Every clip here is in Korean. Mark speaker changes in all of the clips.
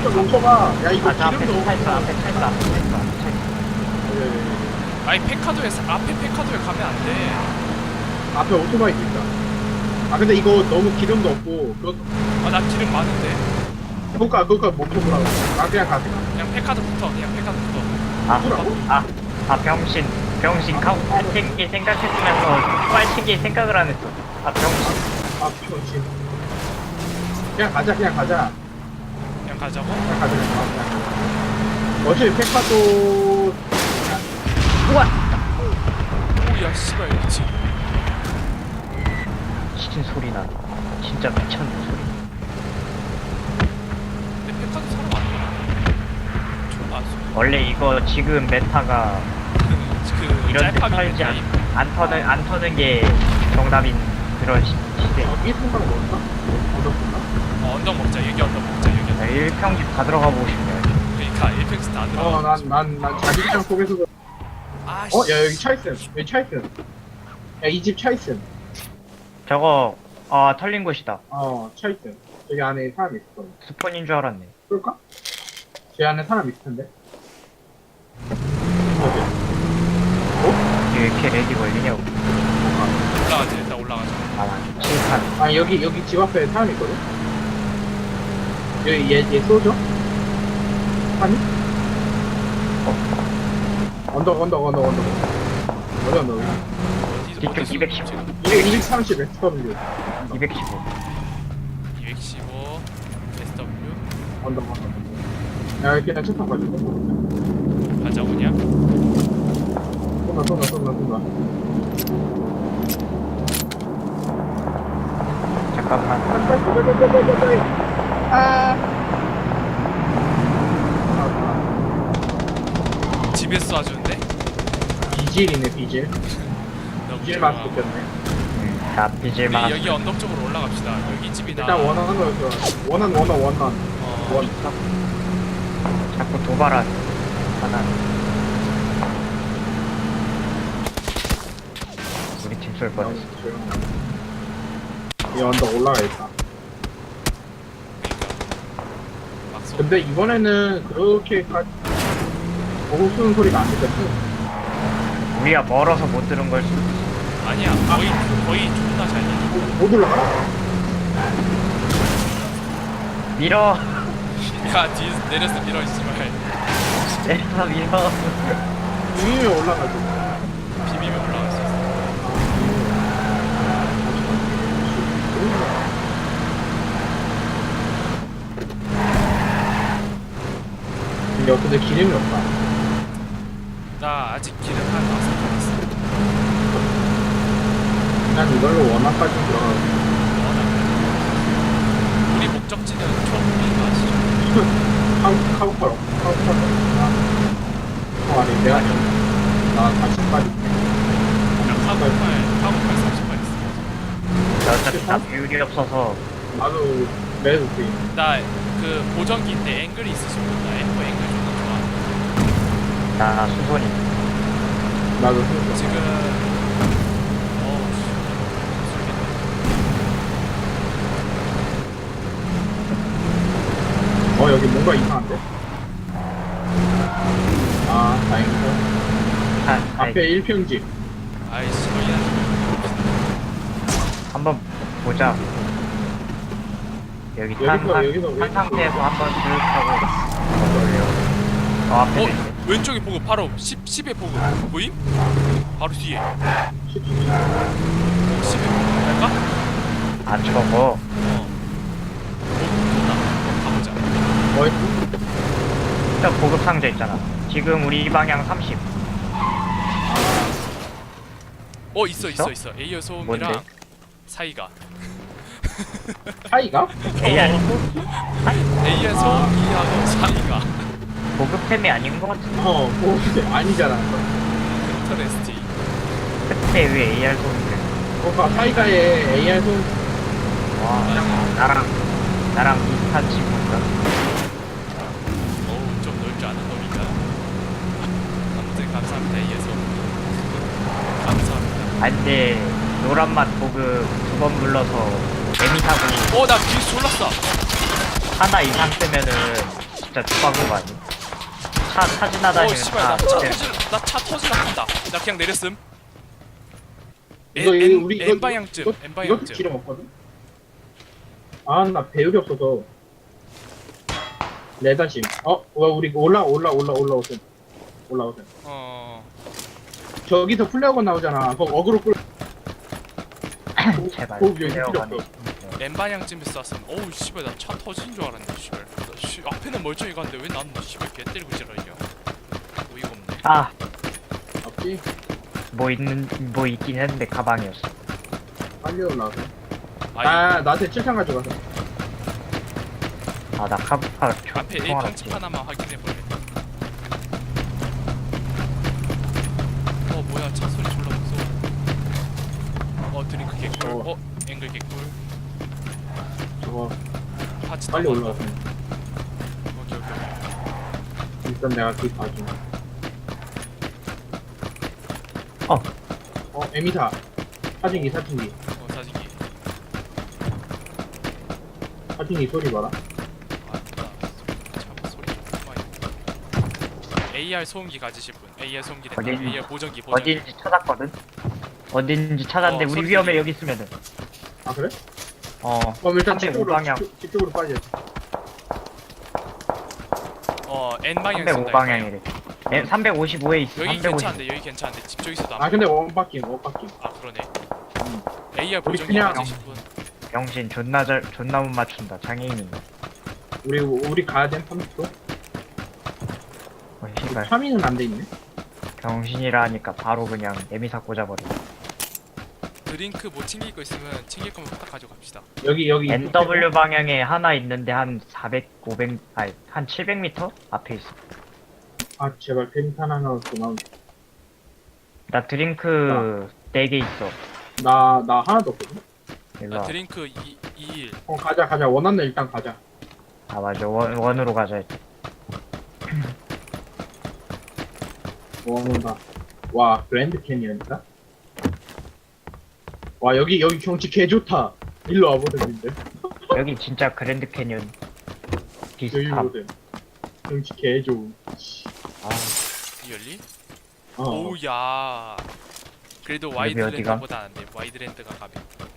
Speaker 1: 멈춰봐. 야 이거
Speaker 2: 저 앞에
Speaker 1: 기름
Speaker 2: 차 있어,
Speaker 1: 너무.
Speaker 2: 앞에 차 있어, 앞에 차 있어, 앞에 차 있어.
Speaker 3: 아니 페카도에 앞에 페카도에 가면 안 돼.
Speaker 1: 앞에 오토바이도 있다. 아 근데 이거 너무 기름도 없고 그것도.
Speaker 3: 아 나 기름 많은데.
Speaker 1: 그러니까 멈춰보라고. 나 그냥 가.
Speaker 3: 그냥 페카도부터 그냥 페카도부터.
Speaker 2: 병신 빨치기 생각했으면서 빨치기 생각을 안 했어. 병신.
Speaker 1: 그렇지. 그냥 가자.
Speaker 3: 그냥 가자고.
Speaker 1: 그냥 가자. 어차피 페카도.
Speaker 2: 우와!
Speaker 3: 오야 씨발 미치.
Speaker 2: 미친 소리 나. 진짜 미쳤는 소리.
Speaker 3: 근데 페카도 사러 왔네. 좀 안.
Speaker 2: 원래 이거 지금 메타가
Speaker 3: 그
Speaker 2: 이런 데
Speaker 3: 짤파미
Speaker 2: 털지
Speaker 3: 게임.
Speaker 2: 안 터는 게 정답인 그런 시대.
Speaker 1: 여기 생각 뭘까? 얻었구나.
Speaker 3: 언덕 먹자. 여기 언덕 먹자. 여기 언덕.
Speaker 2: 1평집 다 들어가 보고 싶네요.
Speaker 3: 그러니까 1팩스 다 들어.
Speaker 1: 난 자기장 속에서도.
Speaker 3: 아 씨.
Speaker 1: 야 여기 차 있음. 여기 차 있음. 야 이 집 차 있음.
Speaker 2: 저거 털린 곳이다.
Speaker 1: 차 있음. 저기 안에 사람 있을 거야.
Speaker 2: 스폰인 줄 알았네.
Speaker 1: 그럴까? 제 안에 사람 있을 텐데. 어디?
Speaker 2: 왜 이렇게 렉이 걸리냐고.
Speaker 3: 올라가자. 일단 올라가자.
Speaker 2: 칠판.
Speaker 1: 아 여기 집 앞에 사람 있거든. 여기 얘 쏘죠? 아니? 언덕. 어디 언덕?
Speaker 2: 뒤쪽 210.
Speaker 1: 230 SW.
Speaker 2: 215.
Speaker 3: 215 SW
Speaker 1: 언덕. 야 여기 그냥 차 타고 가자.
Speaker 3: 가자 그냥.
Speaker 1: 쏜다.
Speaker 2: 잠깐만.
Speaker 3: 집에서 쏴주는데?
Speaker 1: 비질이네 비질.
Speaker 3: 너무
Speaker 1: 비질
Speaker 3: 좋아.
Speaker 1: 맛 느꼈네.
Speaker 2: 나 빚을
Speaker 3: 우리
Speaker 2: 막.
Speaker 3: 여기 언덕 쪽으로 올라갑시다. 여기 집이나.
Speaker 1: 일단 원하는 거 원한. 원.
Speaker 2: 자꾸 도발하는. 하나. 우리 팀 쏠 뻔했어.
Speaker 1: 이 언덕 올라가겠다.
Speaker 3: 막 쏘.
Speaker 1: 근데 이번에는 그렇게까지 보고 쏘는 소리가 안 들렸어.
Speaker 2: 우리가 멀어서 못 들은 걸 수도 있어.
Speaker 3: 아니야. 거의 존나 잘 들려.
Speaker 1: 못 올라가나?
Speaker 2: 밀어.
Speaker 3: 야 뒤에서 내려서 밀어 씨발.
Speaker 2: 내려서 밀어.
Speaker 1: 위에 올라가지.
Speaker 3: 비비면 올라갈 수 있어.
Speaker 1: 근데 기름이 없다.
Speaker 3: 나 아직 기름 한 5칸 있어.
Speaker 1: 난 이걸로 원화까지 들어가고.
Speaker 3: 우리 목적지는 초록빛 아시죠?
Speaker 1: 카우팔. 아니 내가 나 40까지.
Speaker 3: 그냥 카고팔 30발 있어.
Speaker 2: 나 어차피 다 비율이 없어서.
Speaker 1: 나도 매도 돼.
Speaker 3: 나 그 보정기인데 앵글이 있으시면 나 앵글 존나 좋아.
Speaker 2: 나 수손이.
Speaker 1: 나도 생각.
Speaker 3: 지금
Speaker 1: 여기 뭔가 이상한데? 다행이다. 앞에 1평집.
Speaker 3: 아이씨 거기야.
Speaker 2: 한번 보자. 여기 탄 상태에서 한번 쭉 하고 돌려. 앞에 있네.
Speaker 3: 왼쪽에 보고 바로 10에 보고 보임? 바로 뒤에 10에 할까?
Speaker 2: 안 저거.
Speaker 3: 가보자.
Speaker 2: 일단 보급 상자 있잖아. 지금 우리 방향 30.
Speaker 3: 있어 에이어 소음이랑
Speaker 2: 뭔데?
Speaker 3: 사이가
Speaker 1: 차이가?
Speaker 2: AR
Speaker 3: 에이어 소음이하고 사이가
Speaker 2: 보급템이 아닌 것 같은데.
Speaker 1: 뭐 아니잖아.
Speaker 3: 인터레스팅.
Speaker 2: 그때 왜 AR 소음인데?
Speaker 1: 그러니까 차이가의 AR 손.
Speaker 2: 와, 나랑 비슷한 친구인가?
Speaker 3: 좀 놀 줄 아는 놈인가. 아무튼 감사합니다 에이어 소음. 감사합니다.
Speaker 2: 근데 노란맛 보급 2번 불러서 애미 타고
Speaker 3: 나 뒤에서 졸랐어.
Speaker 2: 하나 이상 뜨면은 진짜 죽박은 거 아니? 차 지나다니면
Speaker 3: 씨발 나차 터지나 한다. 나 그냥 내렸음.
Speaker 1: 우리
Speaker 3: N 방향쯤. N
Speaker 1: 이것도
Speaker 3: 방향쯤.
Speaker 1: 기름 없거든? 아, 나 배율이 없어서. 레다심. 우리 올라오세요. 올라오세요. 저기서 플레어건 나오잖아. 그거 어그로 끌.
Speaker 2: 제발.
Speaker 1: 여기 필요
Speaker 2: 내려가네.
Speaker 1: 없어.
Speaker 3: N 방향쯤에 쐈음. 어우 씨발 나 차 터진 줄 알았네. 씨발. 앞에는 멀쩡히 가는데 왜 나는 씨발 개 때리고 지랄이냐. 어이가 없네.
Speaker 2: 아,
Speaker 1: 없지?
Speaker 2: 뭐 있긴 했는데 가방이었어.
Speaker 1: 빨리 올라오세요.
Speaker 3: 아이
Speaker 1: 나한테 7탄 가져가서.
Speaker 2: 아, 나 카브카
Speaker 3: 앞에 A
Speaker 2: 총알없지.
Speaker 3: 평집 하나만 확인해볼래. 뭐야 차 소리 졸라 무서워. 드링크 개꿀. 앵글 개꿀.
Speaker 1: 저거,
Speaker 3: 파츠
Speaker 1: 빨리
Speaker 3: 다
Speaker 1: 올라오세요.
Speaker 3: 오케이.
Speaker 1: 일단 내가 뒤 봐줘. 에미사. 사진기.
Speaker 3: 사진기.
Speaker 1: 사진기 소리 봐라.
Speaker 3: 참 소리 좀 많이. AR 소음기 가지실 분. AR 소음기 된다.
Speaker 2: 어디-
Speaker 3: AR 보정기.
Speaker 2: 어딘지 찾았거든? 어딘지 찾았는데 우리
Speaker 3: 소리
Speaker 2: 위험해
Speaker 3: 들리네.
Speaker 2: 여기 있으면은.
Speaker 1: 아, 그래?
Speaker 2: 어,
Speaker 1: 일단
Speaker 2: 305방향.
Speaker 1: 집쪽으로 빠져.
Speaker 3: N 방향 쓴다.
Speaker 2: 305방향이래. 355에 있어.
Speaker 3: 여기
Speaker 2: 350.
Speaker 3: 괜찮은데 집 쪽에서도 안
Speaker 1: 아, 근데 원바퀴.
Speaker 3: 그러네. AR
Speaker 1: 우리
Speaker 3: 보정기
Speaker 1: 그냥-
Speaker 3: 가지실 분.
Speaker 2: 병신 존나 못 맞춘다. 장애인인가.
Speaker 1: 우리 가야 돼, 30도?
Speaker 2: 씨발.
Speaker 1: 3위는 안 돼 있네.
Speaker 2: 병신이라 하니까 바로 그냥 에미사 꽂아버려.
Speaker 3: 드링크 뭐 챙길 거 있으면 챙길 거면 딱 가져갑시다.
Speaker 1: 여기.
Speaker 2: NW 방향에 하나 있는데 한 400, 500, 아니 한 700m 앞에 있어.
Speaker 1: 아, 제발 펜탄 하나 그만.
Speaker 2: 나 드링크 4개 있어.
Speaker 1: 나 하나도 없거든?
Speaker 2: 일로 와.
Speaker 3: 드링크 21.
Speaker 1: 가자. 원하는 일단 가자.
Speaker 2: 아 맞아. 원으로 가자.
Speaker 1: 원한다. 와, 그랜드 캐니언이다? 와, 여기 경치 개 좋다. 일로 와보든인데.
Speaker 2: 여기 진짜 그랜드 캐니언 비슷함.
Speaker 1: 여기보든. 경치 개 좋음.
Speaker 2: 아,
Speaker 3: 리얼리?
Speaker 1: 어.
Speaker 3: 오우야. 그래도
Speaker 2: 여기
Speaker 3: 와이드랜드보다 안 돼. 와이드랜드가 가면.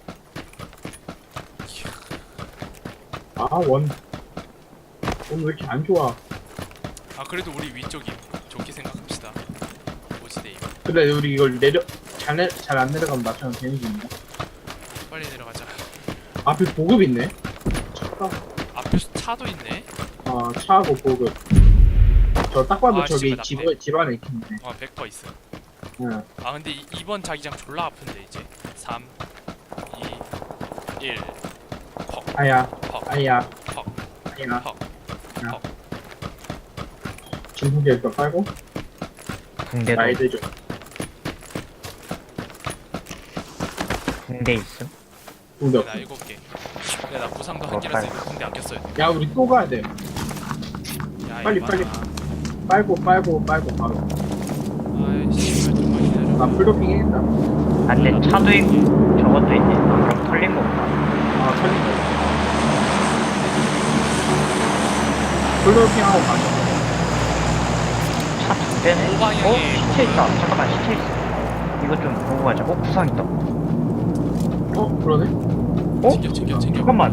Speaker 1: 원 왜 이렇게 안 좋아?
Speaker 3: 그래도 우리 위쪽이 좋게 생각합시다. 오지데이.
Speaker 1: 근데 우리 이걸 잘 안 내려가면 나처럼 되는 중인가?
Speaker 3: 빨리 내려가자.
Speaker 1: 앞에 보급 있네? 차가.
Speaker 3: 앞에 차도 있네.
Speaker 1: 차하고 보급. 저 딱 봐도 저기
Speaker 3: 씨발,
Speaker 1: 집 안에 있겠네.
Speaker 3: 100% 있어.
Speaker 1: 응.
Speaker 3: 근데 이번 자기장 졸라 아픈데 이제. 3, 2, 1. 퍽,
Speaker 1: 아야.
Speaker 3: 퍽,
Speaker 1: 아야.
Speaker 3: 퍽,
Speaker 1: 아야.
Speaker 3: 퍽.
Speaker 1: 진국에서 빨고
Speaker 2: 붕대도
Speaker 1: 나이들 좀.
Speaker 2: 붕대 있음.
Speaker 1: 군대
Speaker 3: 나
Speaker 1: 없어.
Speaker 3: 7개. 근데 나 부상도 한 개라서 이거 군대 아꼈어야 돼.
Speaker 1: 야, 우리 또 가야 돼.
Speaker 3: 야,
Speaker 1: 빨리,
Speaker 3: 이거
Speaker 1: 빨리.
Speaker 3: 봐라.
Speaker 1: 빨고 바로.
Speaker 3: 아이씨, 좀만 기다려.
Speaker 1: 나 풀도핑 해야겠다.
Speaker 2: 아 근데 차도 있고 저것도 있네. 그럼 털린 거 없나?
Speaker 1: 털린다. 풀도핑하고 가자.
Speaker 2: 차 2대네.
Speaker 3: 오방향에
Speaker 2: 시체 있다. 잠깐만 시체 있어. 이거 좀 보고 가자. 구상 있다.
Speaker 1: 그러네?
Speaker 3: 챙겨.
Speaker 2: 잠깐만.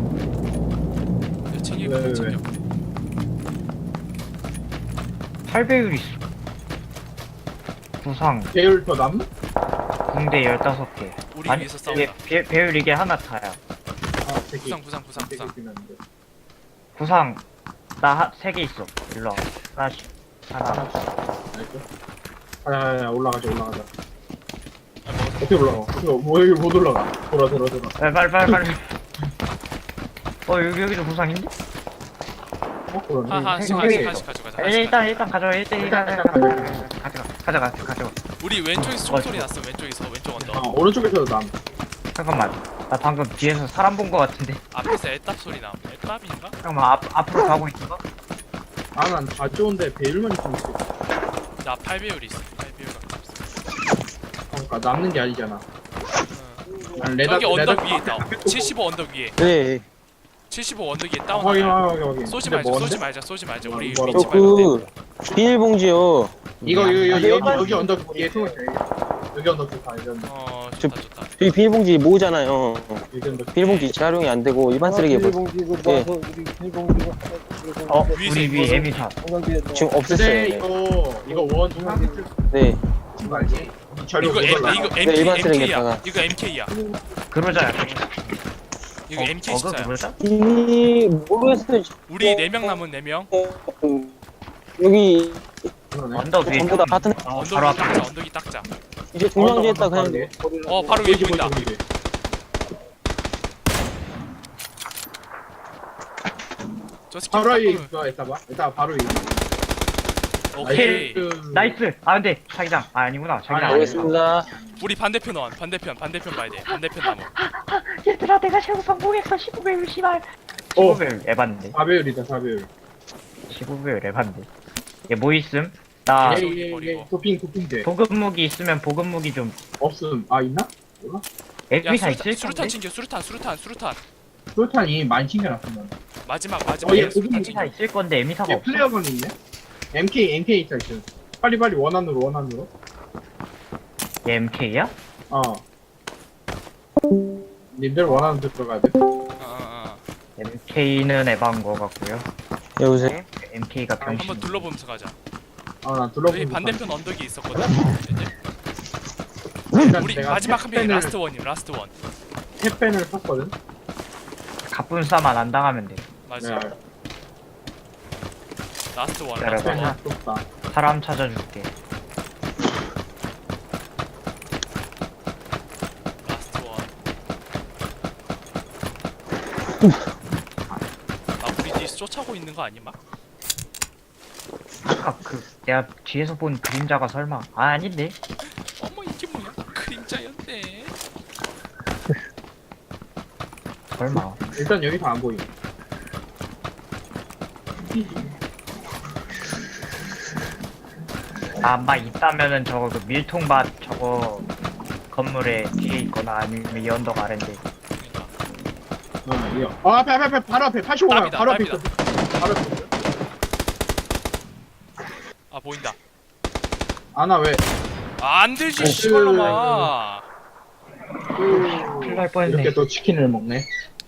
Speaker 3: 야, 챙길
Speaker 1: 왜?
Speaker 3: 거 챙겨.
Speaker 2: 8배율 있어. 구상
Speaker 1: 배율 더 남?
Speaker 2: 붕대 15개.
Speaker 3: 우리
Speaker 2: 아니
Speaker 3: 위해서 싸운다.
Speaker 2: 배율 이게 하나 타야.
Speaker 1: 새끼.
Speaker 3: 부상.
Speaker 2: 구상 나 3개 있어. 일로 와. 하나.
Speaker 1: 가자, 올라가자.
Speaker 3: 아, 먹었어.
Speaker 1: 어떻게 올라가? 여기 못 올라가. 돌아.
Speaker 2: 빨리. 여기도 구상인데?
Speaker 1: 그러네.
Speaker 3: 하나씩
Speaker 1: 세 개.
Speaker 3: 가져가자.
Speaker 2: 일단 가져와. 가져가.
Speaker 3: 우리 왼쪽에서 총소리 났어. 왼쪽 언덕.
Speaker 1: 오른쪽에서도 남.
Speaker 2: 잠깐만. 나 방금 뒤에서 사람 본 거 같은데.
Speaker 3: 앞에서 애답 소리 나. 애답인가?
Speaker 2: 잠깐만 앞으로 가고 있어.
Speaker 1: 난 다 좋은데 배율만 있으면 있어.
Speaker 3: 나 8배율 있어. 8배율 있어.
Speaker 1: 그러니까 남는 게 아니잖아.
Speaker 3: 응.
Speaker 1: 난
Speaker 3: 여기 언덕 위에 있다. 75 언덕 위에.
Speaker 4: 네.
Speaker 3: 75 75 언덕이
Speaker 1: 확인
Speaker 3: 다운.
Speaker 1: 확인.
Speaker 3: 쏘지
Speaker 1: 근데
Speaker 3: 말자.
Speaker 1: 뭔데?
Speaker 3: 쏘지 말자. 쏘지 말자. 우리
Speaker 1: 뭐라고?
Speaker 3: 위치 말고.
Speaker 4: 그 비닐봉지요.
Speaker 1: 이거
Speaker 4: 아,
Speaker 1: 여기 언덕 뒤에 숨을 돼. 여기 언덕 뒤에 가. 여기 언덕.
Speaker 3: 좋다 좋다.
Speaker 4: 저희 비닐봉지 모으잖아요.
Speaker 1: 여기 언덕.
Speaker 4: 비닐봉지 재활용이 안 되고 일반 쓰레기에 뭐 예.
Speaker 2: 우리 위 에미사.
Speaker 4: 지금
Speaker 1: 근데
Speaker 4: 없앴어요.
Speaker 1: 이거 원 중앙
Speaker 4: 네.
Speaker 1: 거 알지? 이 자료
Speaker 3: 이거
Speaker 1: 올라.
Speaker 3: 이거
Speaker 4: 네, 일반
Speaker 3: MK야.
Speaker 4: 쓰레기에다가.
Speaker 3: 이거 MK야.
Speaker 2: 그러자야.
Speaker 3: 이거 MK 진짜야.
Speaker 2: 그러자?
Speaker 4: 이 모르겠어요.
Speaker 3: 우리 4명 남은 4명.
Speaker 4: 여기
Speaker 1: 그러네.
Speaker 2: 언덕 위에.
Speaker 4: 전부 다 같은
Speaker 2: 바로
Speaker 3: 언덕이
Speaker 2: 앞에.
Speaker 3: 딱자. 언덕이 딱자.
Speaker 4: 이제 중량지에다 그냥
Speaker 3: 바로 위에 보인다. 저 스킬
Speaker 1: 바로 위에
Speaker 3: 깎으면-
Speaker 1: 있어. 이따 바로 위에.
Speaker 3: 오케이.
Speaker 2: 나이스. 아 근데 자기장. 아 아니구나. 자기장.
Speaker 1: 아니,
Speaker 2: 아니구나.
Speaker 4: 알겠습니다.
Speaker 3: 우리 반대편 원. 반대편 봐야 돼. 반대편 나무.
Speaker 2: 얘들아 내가 최고 성공했어. 15배율 씨발.
Speaker 1: 어.
Speaker 2: 15배율 에반데.
Speaker 1: 4배율이다 4배율.
Speaker 2: 15배율 에반데. 얘 뭐 있음? 나
Speaker 3: 버리고.
Speaker 1: 도핑 돼.
Speaker 2: 보급 무기 있으면 보급 무기 좀.
Speaker 1: 없음. 아 있나? 몰라?
Speaker 3: 야
Speaker 2: 에미사 있을
Speaker 3: 수류탄
Speaker 2: 건데.
Speaker 3: 챙겨. 수류탄.
Speaker 1: 프로탄이 많이 챙겨놨어 난.
Speaker 3: 마지막
Speaker 1: 얘
Speaker 3: 수류탄
Speaker 1: 보급
Speaker 3: 챙겨.
Speaker 2: 에미사 있을 건데 에미사가
Speaker 1: 얘
Speaker 2: 없어.
Speaker 1: 플레어건 있네. MK 있다 있어. 빨리 원안으로.
Speaker 2: 얘 MK야?
Speaker 1: 어. 님들 원하는 데 들어가야 돼.
Speaker 2: MK는 에반 거 같고요.
Speaker 4: 여보세요.
Speaker 2: MK가 병신.
Speaker 3: 한번 둘러보면서 가자.
Speaker 1: 난
Speaker 3: 여기
Speaker 1: 둘러보고.
Speaker 3: 반대편 언덕이 있었거든.
Speaker 1: 일단
Speaker 3: 우리
Speaker 1: 내가
Speaker 3: 마지막 한 명이
Speaker 1: 탭펜을-
Speaker 3: 라스트 원임. 라스트 원.
Speaker 1: 탭펜을 샀거든.
Speaker 2: 갑분싸만 안 당하면 돼.
Speaker 3: 맞아.
Speaker 1: 네.
Speaker 3: 라스트 원.
Speaker 2: 기다려봐.
Speaker 3: 라스트 원.
Speaker 1: 탭펜을 줬다.
Speaker 2: 사람 찾아줄게.
Speaker 3: 라스트 원. 우리 뒤에 쫓아오고 있는 거 아니 막?
Speaker 2: 아까 그 내가 뒤에서 본 그림자가 설마 아닌데?
Speaker 3: 어머 이게 뭐야? 그림자였네.
Speaker 2: 설마.
Speaker 1: 일단 여기서 안 보임.
Speaker 2: 아마 있다면은 저거 그 밀통밭 저거 건물에 뒤에 있거나 아니면 이 언덕 아래인데.
Speaker 3: 그러니까.
Speaker 1: 이거. 앞에 바로 앞에 85만
Speaker 3: 답이다,
Speaker 1: 바로 앞에
Speaker 3: 답이다.
Speaker 1: 있어. 바로 앞에 있어.
Speaker 3: 아 보인다.
Speaker 1: 아나 왜?
Speaker 3: 안 되지 씨발로마.
Speaker 2: 큰일 날 뻔했네.
Speaker 1: 이렇게 또 치킨을 먹네.